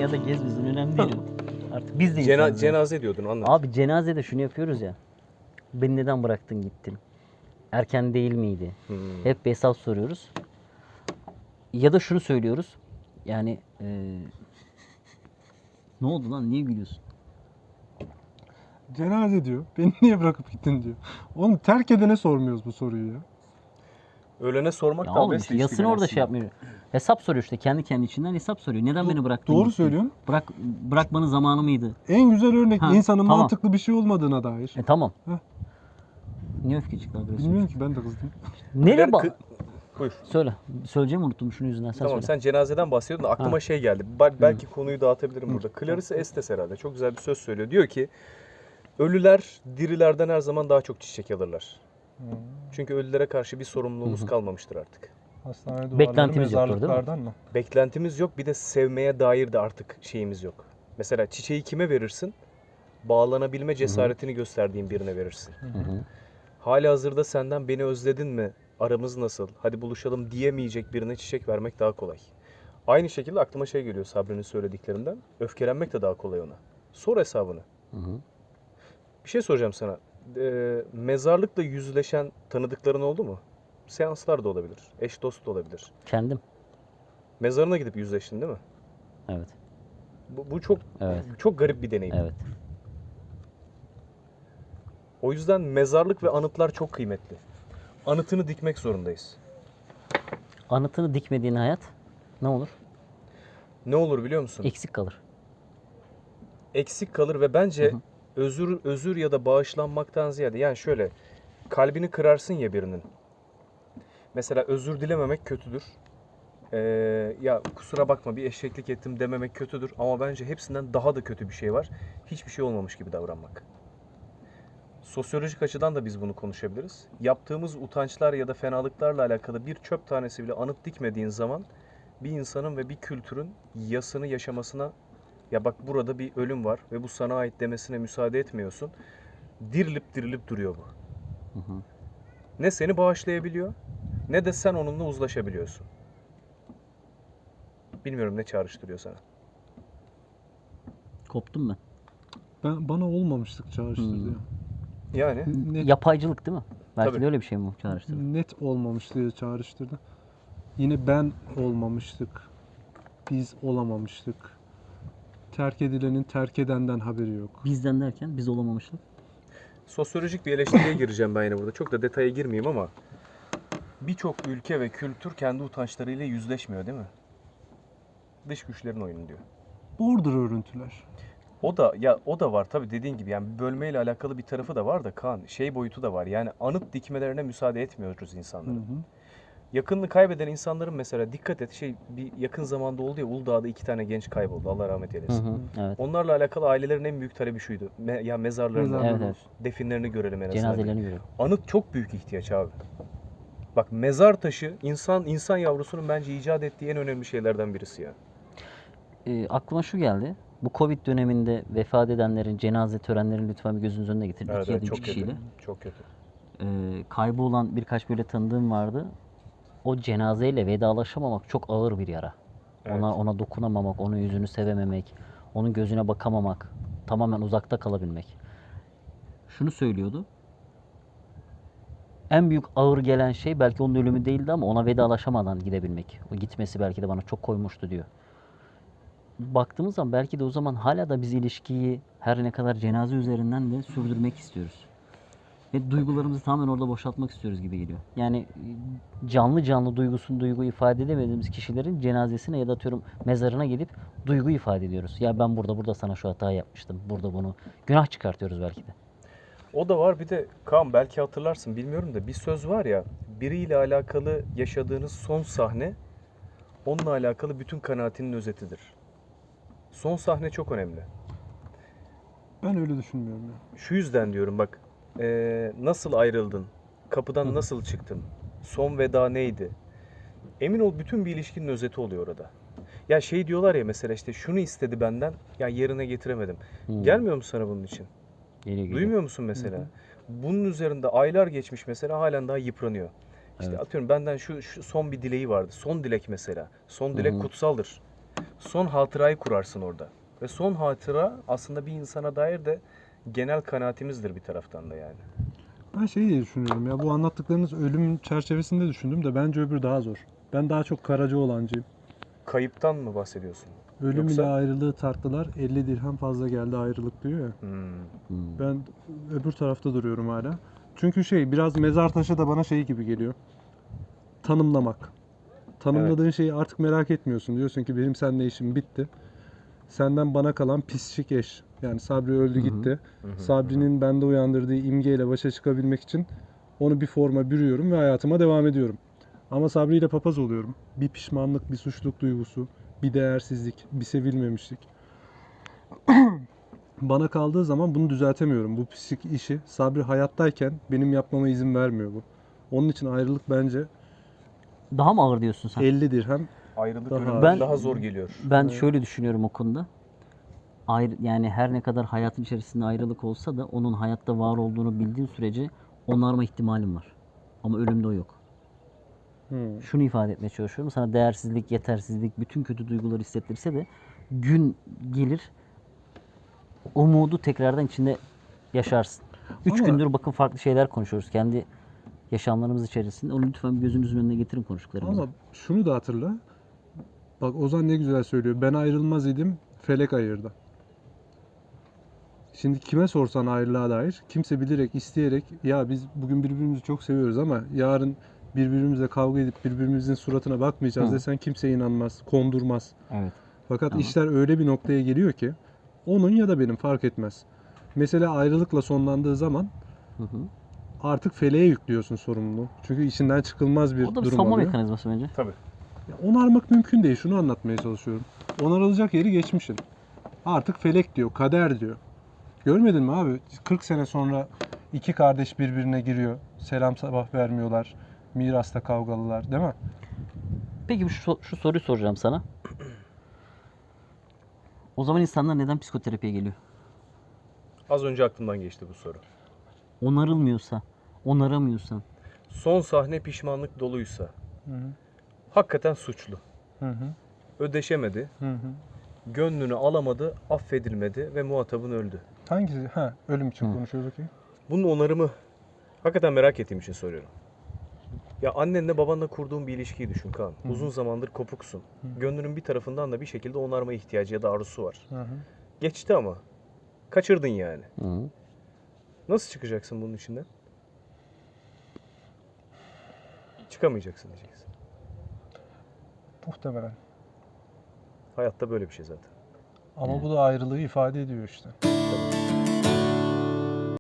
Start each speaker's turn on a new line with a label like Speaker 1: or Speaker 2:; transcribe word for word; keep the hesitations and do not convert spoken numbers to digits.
Speaker 1: ya da gezmesin önemli değil. Artık biz de
Speaker 2: Cena
Speaker 1: insanız. yani.
Speaker 2: cenaze diyordun, anlat.
Speaker 1: Abi cenazede şunu yapıyoruz ya. Beni neden bıraktın gittin? Erken değil miydi?
Speaker 2: Hmm.
Speaker 1: Hep bir hesap soruyoruz. Ya da şunu söylüyoruz. Yani eee ne oldu lan? Niye gülüyorsun?
Speaker 3: Cenaze diyor. Beni niye bırakıp gittin diyor. Oğlum terk edene sormuyoruz bu soruyu ya.
Speaker 2: Ölene sormak
Speaker 1: Ya
Speaker 2: da
Speaker 1: oğlum işte yasını orada şey yapmıyor. Hesap soruyor işte kendi kendi içinden hesap soruyor. Neden beni bıraktın?
Speaker 3: Doğru
Speaker 1: gittin?
Speaker 3: söylüyorsun.
Speaker 1: Bırak bırakmanın zamanı mıydı?
Speaker 3: En güzel örnek
Speaker 1: Ha,
Speaker 3: insanın
Speaker 1: tamam.
Speaker 3: mantıklı bir şey olmadığına dair.
Speaker 1: E tamam.
Speaker 3: Heh.
Speaker 1: Niye öfke çıktı agresif?
Speaker 3: Bilmiyorum ki, ben de kızdım.
Speaker 1: Nereye bak?
Speaker 2: Kı- Buyur.
Speaker 1: Söyle. Söyleyeceğimi unuttum şunun yüzünden sen
Speaker 2: Tamam,
Speaker 1: söyle.
Speaker 2: sen cenazeden bahsediyordun da aklıma
Speaker 1: Ha.
Speaker 2: şey geldi. Bel- belki konuyu dağıtabilirim burada. Clarissa Estes herhalde çok güzel bir söz söylüyor. Diyor ki ölüler dirilerden her zaman daha çok çiçek alırlar. Çünkü ölülere karşı bir sorumluluğumuz kalmamıştır artık.
Speaker 3: Hastane duvarları,
Speaker 1: Beklentimiz yoktur, değil mi?
Speaker 3: mezarlıklardan mı?
Speaker 2: Beklentimiz yok, bir de sevmeye dair de artık şeyimiz yok. Mesela çiçeği kime verirsin? Bağlanabilme cesaretini gösterdiğin birine verirsin.
Speaker 1: Hı hı.
Speaker 2: Hali hazırda senden beni özledin mi? Aramız nasıl? Hadi buluşalım diyemeyecek birine çiçek vermek daha kolay. Aynı şekilde aklıma şey geliyor Sabri'nin söylediklerinden. Öfkelenmek de daha kolay ona. Sor hesabını.
Speaker 1: Hı hı.
Speaker 2: Bir şey soracağım sana. Ee, mezarlıkla yüzleşen tanıdıkların oldu mu? Seanslar da olabilir. Eş dost da olabilir.
Speaker 1: Kendim.
Speaker 2: Mezarına gidip yüzleştin değil mi?
Speaker 1: Evet.
Speaker 2: Bu, bu çok
Speaker 1: Evet.
Speaker 2: çok garip bir deneyim.
Speaker 1: Evet.
Speaker 2: O yüzden mezarlık ve anıtlar çok kıymetli. Anıtını dikmek zorundayız.
Speaker 1: Anıtını dikmediğin hayat ne olur?
Speaker 2: Ne olur biliyor musun?
Speaker 1: Eksik kalır.
Speaker 2: Eksik kalır ve bence
Speaker 1: Hı hı.
Speaker 2: özür özür ya da bağışlanmaktan ziyade, yani şöyle, kalbini kırarsın ya birinin. Mesela özür dilememek kötüdür. Ee, ya kusura bakma bir eşeklik ettim dememek kötüdür ama bence hepsinden daha da kötü bir şey var. Hiçbir şey olmamış gibi davranmak. Sosyolojik açıdan da biz bunu konuşabiliriz. Yaptığımız utançlar ya da fenalıklarla alakalı bir çöp tanesi bile anıt dikmediğin zaman bir insanın ve bir kültürün yasını yaşamasına, ya bak burada bir ölüm var ve bu sana ait demesine müsaade etmiyorsun. Dirilip dirilip duruyor bu.
Speaker 1: Hı hı.
Speaker 2: Ne seni bağışlayabiliyor ne de sen onunla uzlaşabiliyorsun. Bilmiyorum ne çağrıştırıyor sana.
Speaker 1: Koptum ben.
Speaker 3: Ben, bana olmamışlık çağrıştırdı
Speaker 1: Hmm.
Speaker 3: ya.
Speaker 2: Yani
Speaker 3: Net,
Speaker 1: Yapaycılık değil mi? Belki
Speaker 2: Tabii.
Speaker 1: de öyle bir şey mi bu çağrıştırdı?
Speaker 3: net olmamışlığı çağrıştırdı. Yine ben olmamıştık. Biz olamamıştık. Terk edilenin terk edenden haberi yok.
Speaker 1: Bizden derken biz olamamıştık.
Speaker 2: sosyolojik bir eleştiriye gireceğim ben yine burada. Çok da detaya girmeyeyim ama birçok ülke ve kültür kendi utançlarıyla yüzleşmiyor değil mi? Dış güçlerin oyunu diyor.
Speaker 3: Border örüntüler.
Speaker 2: O da ya o da var tabii, dediğin gibi, yani bölmeyle alakalı bir tarafı da var da Kaan, şey boyutu da var. Yani anıt dikmelerine müsaade etmiyoruz
Speaker 3: Hı
Speaker 2: insanların.
Speaker 3: hı.
Speaker 2: Yakınını kaybeden insanların mesela dikkat et, şey bir yakın zamanda oldu ya, Uludağ'da iki tane genç kayboldu. Allah rahmet
Speaker 1: Hı
Speaker 2: eylesin.
Speaker 1: hı. Evet.
Speaker 2: Onlarla alakalı ailelerin en büyük talebi şuydu. Me- ya mezarlarını,
Speaker 3: Mezarları
Speaker 1: Evet, evet.
Speaker 3: olsun.
Speaker 2: definlerini görelim en azından.
Speaker 1: Cenazelerini görüyorum.
Speaker 2: Anıt çok büyük ihtiyaç abi. Bak mezar taşı insan insan yavrusunun bence icat ettiği en önemli şeylerden birisi ya.
Speaker 1: Ee, aklıma şu geldi. Bu Covid döneminde vefat edenlerin cenaze törenlerini lütfen bir gözünüz önüne getirin.
Speaker 2: Evet,
Speaker 1: İki ya
Speaker 2: evet,
Speaker 1: da üç
Speaker 2: çok kötü.
Speaker 1: kişiyle.
Speaker 2: Çok kötü.
Speaker 1: Ee, kaybolan birkaç böyle tanıdığım vardı. O cenazeyle vedalaşamamak çok ağır bir yara.
Speaker 2: Evet.
Speaker 1: Ona ona dokunamamak, onun yüzünü sevememek, onun gözüne bakamamak, tamamen uzakta kalabilmek. Şunu söylüyordu. En büyük ağır gelen şey belki onun ölümü değildi ama ona vedalaşamadan gidebilmek. O gitmesi belki de bana çok koymuştu diyor. Baktığımız zaman belki de o zaman hala da biz ilişkiyi her ne kadar cenaze üzerinden de sürdürmek istiyoruz. Ve duygularımızı tamamen orada boşaltmak istiyoruz gibi geliyor. Yani canlı canlı duygusunu duygu ifade edemediğimiz kişilerin cenazesine ya da atıyorum mezarına gidip duygu ifade ediyoruz. Ya ben burada burada sana şu hatayı yapmıştım. Burada bunu günah çıkartıyoruz belki de.
Speaker 2: O da var, bir de Kaan belki hatırlarsın bilmiyorum da bir söz var ya, biriyle alakalı yaşadığınız son sahne onunla alakalı bütün kanaatinin özetidir. Son sahne çok önemli.
Speaker 3: Ben öyle düşünmüyorum ya.
Speaker 2: Şu yüzden diyorum bak, eee, nasıl ayrıldın, kapıdan nasıl çıktın, son veda neydi? Emin ol bütün bir ilişkinin özeti oluyor orada. Ya şey diyorlar ya mesela, işte şunu istedi benden, ya yerine getiremedim.
Speaker 1: Hmm.
Speaker 2: Gelmiyor mu sana bunun için?
Speaker 1: Geliyor, geliyor.
Speaker 2: Duymuyor musun mesela? Bunun üzerinde aylar geçmiş mesela, halen daha yıpranıyor. İşte
Speaker 1: Evet.
Speaker 2: atıyorum benden şu, şu son bir dileği vardı. Son dilek mesela. Son dilek
Speaker 1: Hı hı.
Speaker 2: kutsaldır. Son hatırayı kurarsın orada. Ve son hatıra aslında bir insana dair de genel kanaatimizdir bir taraftan da yani.
Speaker 3: Ben şey diye düşünüyorum ya, bu anlattıklarınız ölüm çerçevesinde düşündüm de bence öbür daha zor. Ben daha çok Karacaoğlancıyım.
Speaker 2: Kayıptan mı bahsediyorsun?
Speaker 3: Ölüm
Speaker 2: Yoksa-
Speaker 3: ile ayrılığı tarttılar, elli dirhem fazla geldi ayrılık diyor ya.
Speaker 2: Hmm.
Speaker 1: Hmm.
Speaker 3: Ben öbür tarafta duruyorum hala. Çünkü şey, biraz mezar taşı da bana şey gibi geliyor. Tanımlamak. Tanımladığın şeyi artık merak etmiyorsun. Diyorsun ki benim seninle işim bitti. Senden bana kalan pislik eş. Yani Sabri öldü
Speaker 1: Hı hı.
Speaker 3: gitti.
Speaker 2: Hı hı,
Speaker 3: Sabri'nin bende uyandırdığı imgeyle başa çıkabilmek için onu bir forma bürüyorum ve hayatıma devam ediyorum. Ama Sabri ile papaz oluyorum. Bir pişmanlık, bir suçluluk duygusu, bir değersizlik, bir sevilmemişlik. Bana kaldığı zaman bunu düzeltemiyorum. Bu pislik işi Sabri hayattayken benim yapmama izin vermiyor bu. Onun için ayrılık bence
Speaker 1: Daha mı ağır diyorsun sen?
Speaker 3: elli dirhem.
Speaker 2: Ayrılık
Speaker 3: Daha-
Speaker 2: ölümden
Speaker 1: Ben-
Speaker 2: daha zor geliyor.
Speaker 1: Ben
Speaker 3: Evet.
Speaker 1: şöyle düşünüyorum o konuda. Ayrı, yani her ne kadar hayatın içerisinde ayrılık olsa da onun hayatta var olduğunu bildiğin sürece onarma ihtimalim var. Ama ölümde o yok.
Speaker 3: Hmm.
Speaker 1: Şunu ifade etmeye çalışıyorum. Sana değersizlik, yetersizlik, bütün kötü duyguları hissettirse de gün gelir umudu tekrardan içinde yaşarsın. Üç
Speaker 3: Ama-
Speaker 1: gündür bakın farklı şeyler konuşuyoruz. Kendi yaşamlarımız içerisinde. Onu lütfen bir gözünüzün önüne getirin konuştuklarımızı.
Speaker 3: Ama şunu da hatırla. Bak Ozan ne güzel söylüyor. Ben ayrılmaz idim, felek ayırdı. Şimdi kime sorsan ayrılığa dair kimse bilerek, isteyerek ya biz bugün birbirimizi çok seviyoruz ama yarın birbirimizle kavga edip birbirimizin suratına bakmayacağız
Speaker 1: Hı.
Speaker 3: desen kimse inanmaz, kondurmaz.
Speaker 1: Evet.
Speaker 3: Fakat
Speaker 1: Tamam.
Speaker 3: işler öyle bir noktaya geliyor ki onun ya da benim fark etmez. Mesela ayrılıkla sonlandığı zaman
Speaker 1: Hı hı.
Speaker 3: artık feleğe yüklüyorsun sorumluluğu. Çünkü içinden çıkılmaz bir
Speaker 1: O da bir
Speaker 3: durum
Speaker 1: savunma
Speaker 3: oluyor.
Speaker 1: mekanizması bence.
Speaker 2: Tabii.
Speaker 3: Ya onarmak mümkün değil. Şunu anlatmaya çalışıyorum. Onarılacak yeri geçmişin. Artık felek diyor, kader diyor. Görmedin mi abi? kırk sene sonra iki kardeş birbirine giriyor. Selam sabah vermiyorlar. Mirasta kavgalılar, değil mi?
Speaker 1: Peki şu, şu soruyu soracağım sana. O zaman insanlar neden psikoterapiye geliyor?
Speaker 2: Az önce aklımdan geçti bu soru.
Speaker 1: Onarılmıyorsa, onaramıyorsan.
Speaker 2: Son sahne pişmanlık doluysa
Speaker 3: Hı hı.
Speaker 2: hakikaten suçlu.
Speaker 3: Hı hı.
Speaker 2: Ödeşemedi,
Speaker 3: Hı hı.
Speaker 2: gönlünü alamadı, affedilmedi ve muhatabın öldü.
Speaker 3: Hangisi? Ha, ölüm için
Speaker 1: Hı.
Speaker 3: konuşuyoruz ki.
Speaker 2: Bunun onarımı hakikaten merak ettiğim için soruyorum. Ya annenle babanla kurduğun bir ilişkiyi düşün Kaan.
Speaker 3: Hı.
Speaker 2: Uzun zamandır kopuksun. Gönlünün bir tarafından da bir şekilde onarma ihtiyacı ya da arzusu var.
Speaker 3: Hı hı.
Speaker 2: Geçti ama. Kaçırdın yani.
Speaker 1: Hı.
Speaker 2: Nasıl çıkacaksın bunun içinden? Çıkamayacaksın diyeceksin.
Speaker 3: Muhtemelen.
Speaker 2: Hayatta böyle bir şey zaten.
Speaker 3: Ama
Speaker 1: Evet.
Speaker 3: bu da ayrılığı ifade ediyor işte.